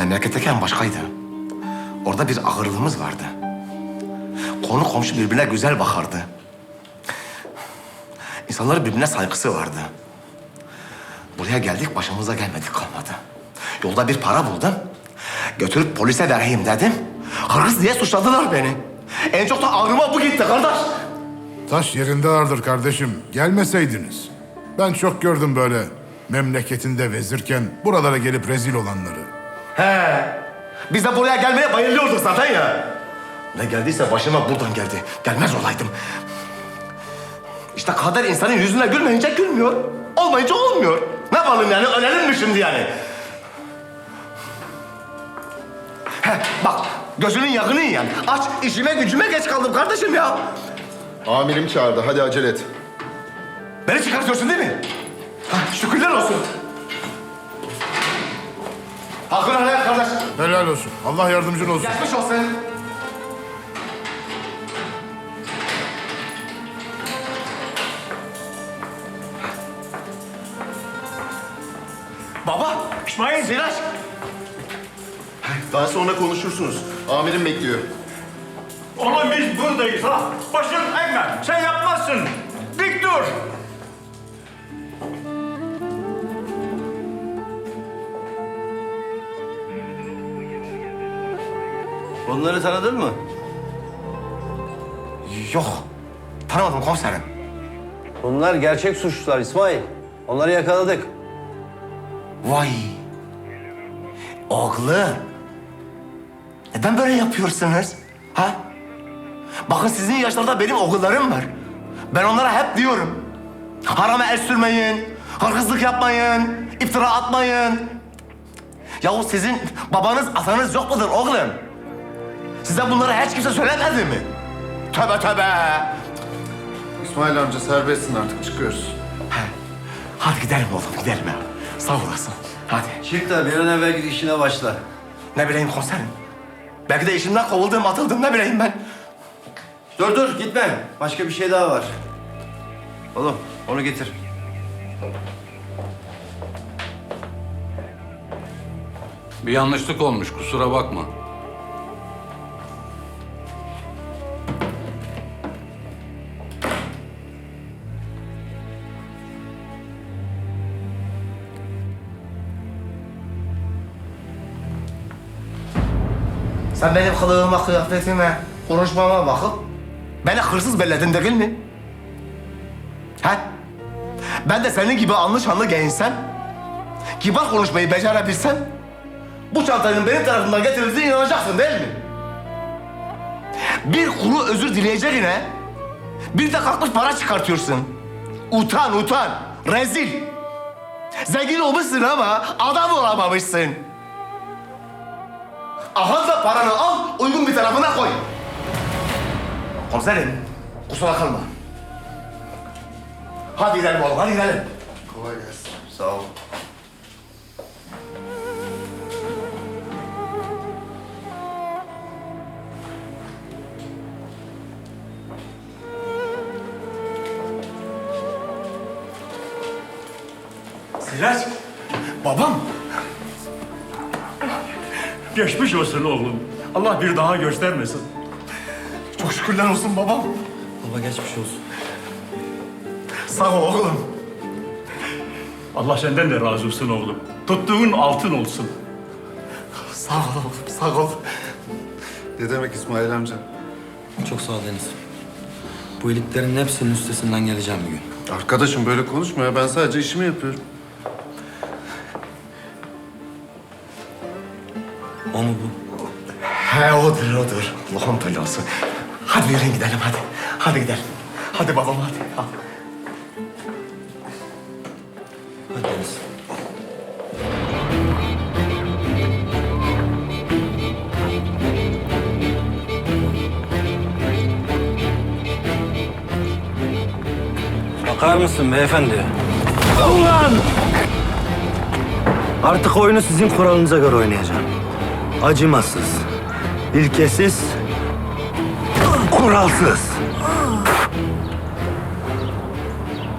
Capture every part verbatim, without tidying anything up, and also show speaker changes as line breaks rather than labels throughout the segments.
Memleketteyken başkaydı. Orada bir ağırlığımız vardı. Konu komşu birbirine güzel bakardı. İnsanların birbirine saygısı vardı. Buraya geldik, başımıza gelmedik kalmadı. Yolda bir para buldum. Götürüp polise vereyim dedim. Hırsız diye suçladılar beni. En çok da ağrıma bu gitti kardeş.
Taş yerinde ağırdır kardeşim. Gelmeseydiniz. Ben çok gördüm böyle memleketinde vezirken buralara gelip rezil olanları.
He. Biz de buraya gelmeye bayılıyorduk zaten ya. Ne geldiyse başıma buradan geldi. Gelmez olaydım. İşte kader insanın yüzüne gülmeyince gülmüyor. Olmayınca olmuyor. Ne yapalım yani? Ölelim mi şimdi yani? He, bak gözünün yakını yani. Aç, işime gücüme geç kaldım kardeşim ya.
Amirim çağırdı. Hadi acele et.
Beni çıkartıyorsun değil mi? Ha, şükürler olsun. Hakkını helal et kardeş.
Helal olsun. Allah yardımcın olsun.
Geçmiş olsun. Baba, İsmail, Ziraç.
Daha sonra konuşursunuz. Amirim bekliyor.
Oğlum biz buradayız ha. Başın eğme. Sen yapmazsın. Dik dur.
Onları tanıdın mı?
Yok, tanımadım komiserim.
Bunlar gerçek suçlular İsmail. Onları yakaladık.
Vay. Oğlum. Neden böyle yapıyorsunuz? Ha? Bakın sizin yaşlarda benim oğullarım var. Ben onlara hep diyorum. Harama el sürmeyin, hırsızlık yapmayın, iftira atmayın. Yahu sizin babanız, atanız yok mudur oğlum? Size bunları hiç kimse söylemedi mi? Tövbe tövbe.
İsmail amca serbestsin artık. Çıkıyoruz.
He. Hadi gidelim oğlum, gidelim ya. Sağ olasın. Hadi.
Çık da bir an evvel git işine başla.
Ne bileyim komiserim. Belki de işimden kovuldum, atıldım. Ne bileyim ben.
Dur dur gitme. Başka bir şey daha var. Oğlum onu getir.
Bir yanlışlık olmuş, kusura bakma.
Sen benim kılığıma, kıyafetime, konuşmama bakıp beni hırsız belledin değil mi? He? Ben de senin gibi anlı şanlı giyinsem, kibar konuşmayı becerebilsem, bu çantanın benim tarafından getirildiğine inanacaksın değil mi? Bir kuru özür dileyeceğine, bir de kalkmış para çıkartıyorsun. Utan, utan, rezil. Zengin olmuşsun ama adam olamamışsın. Aha da paranı al, uygun bir tarafına koy. Komiserim, kusura kalma. Hadi gidelim oğlum, hadi gidelim.
Kolay gelsin.
Sağ ol.
Sirac.
Babam,
Geçmiş olsun oğlum. Allah bir daha göstermesin.
çok şükürler olsun babam.
Baba geçmiş olsun.
Sağ ol oğlum.
Allah senden de razı olsun oğlum. Tuttuğun altın olsun.
Sağ ol oğlum, sağ ol.
Ne demek İsmail amca?
Çok sağ ol Deniz. Bu iyiliklerin hepsinin üstesinden geleceğim bir gün.
Arkadaşım böyle konuşma ya. Ben sadece işimi yapıyorum.
O mu bu?
He odur, odur. Allah'ım belası. Hadi yürüyün gidelim, hadi. Hadi gidelim. Hadi babam, hadi. Al.
Hadi Deniz.
Bakar mısın beyefendi? Ulan! Artık oyunu sizin kuralınıza göre oynayacağım. Acımasız, ilkesiz, kuralsız.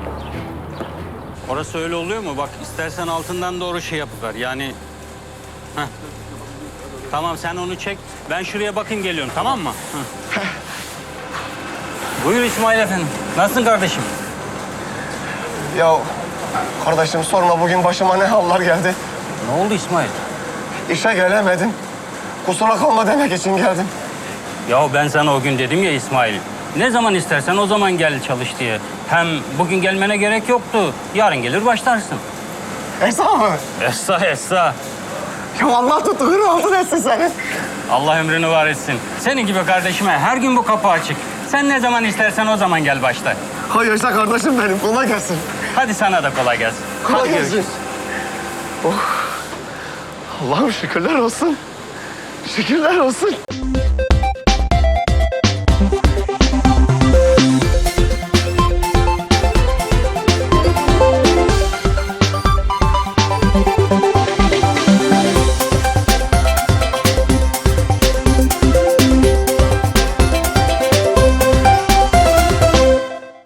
Orası öyle oluyor mu? Bak istersen altından doğru şey yapıver. Yani Heh. Tamam sen onu çek. Ben şuraya bakayım geliyorum tamam mı? Heh. Buyur İsmail efendim. Nasılsın kardeşim?
Ya kardeşim sorma bugün başıma ne hallar geldi.
Ne oldu İsmail?
İşe gelemedim. Kusura kalma demek için geldim.
Ya ben sana o gün dedim ya İsmail. Ne zaman istersen o zaman gel çalış diye. Hem bugün gelmene gerek yoktu. Yarın gelir başlarsın.
Esra mı?
Essa essa.
Ya Allah tuttuğunu altın etsin seni.
Allah ömrünü var etsin. Senin gibi kardeşime her gün bu kapı açık. Sen ne zaman istersen o zaman gel başla.
Hay yaşa kardeşim benim. Kolay gelsin.
Hadi sana da kolay gelsin.
Kolay
Hadi
gelsin.
görüşürüz.
Oh. Allah'ım şükürler olsun. Şükürler olsun.